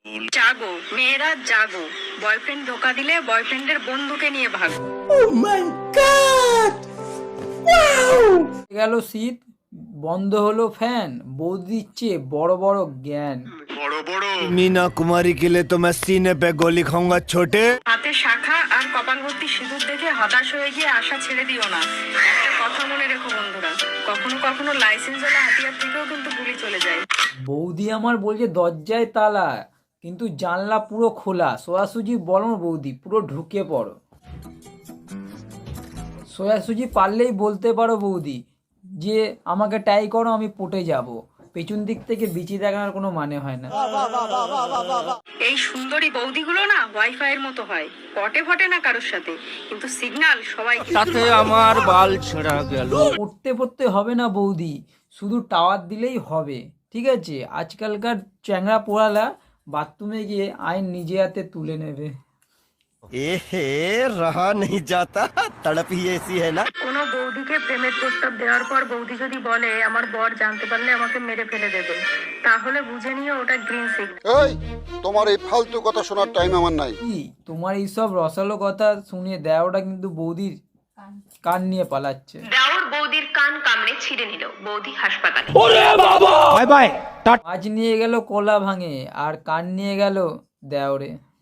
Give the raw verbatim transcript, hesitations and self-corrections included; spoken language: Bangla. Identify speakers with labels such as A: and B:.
A: জাগো মেয়েরা জাগো, বয়ফ্রেন্ড ধোকা দিলে বয়ফ্রেন্ডের বন্ধুকে নিয়ে ভাগো।
B: গেল শীত, বন্ধ হলো ফ্যান, বৌদি দিচ্ছে বড় বড় জ্ঞান।
C: मीना कुमारी के लिए तो मैं सीने पे गोली खाऊंगा छोटे।
A: হাতে শাখা আর কপাল ভর্তি সিঁদুর দেখে হতাশ হয়ে গিয়ে আশা ছেড়ে দিও না। একটা কথা মনে রেখো বন্ধুরা, কখনো কখনো লাইসেন্স ওলা হাতিয়ার থেকেও কিন্তু গুলি চলে যায়।
B: বৌদি আমার বলছে দরজায় তালা, কিন্তু জানলা পুরো খোলা। সোয়াসুজি বলো বৌদি, পুরো ঢুকে পড়ো। সোয়াসুজি পারলেই বলতে পারো বৌদি যে আমাকে টাই করো, আমি পটে যাব। পেছন দিক থেকে বিচি দেখানোর কোনো মানে হয় না।
A: এই সুন্দরী বৌদিগুলো না ওয়াইফাই এর মতো হয়, পটে ফটে না কারোর সাথে, কিন্তু সিগন্যাল সবাই।
C: साथे আমার বাল ছেঁড়া গেল।
B: পড়তে পড়তে হবে না বৌদি, শুধু টাওয়ার দিলেই হবে, ঠিক আছে? আজকালকার চ্যাংড়া পোড়ালা বাথরুমে গিয়ে আইন নিজে হাতে তুলে নেবে।
C: এহে রহা नहीं जाता, तड़प ही ऐसी है ना।
A: কোনো বৌদিকে প্রেমের প্রস্তাব দেওয়ার পর বৌদি যদি বলে আমার বর জানতে পারলে আমাকে মেরে ফেলে দেবে, তাহলে বুঝে নিও ওটা গ্রিন সিগন্যাল।
D: এই তোমার এই ফালতু কথা শোনার টাইম আমার নাই।
B: কি তোমার এইসব রসালো কথা শুনে দেওয়াটা কিন্তু বৌদির কান নিয়ে পালাচ্ছে।
A: দেওর বৌদির কান কামড়ে ছিঁড়ে নিল, বৌদি হাসপাতালে।
B: মাছ নিয়ে গেল কলা ভাঙে, আর কান নিয়ে গেল দেওরে।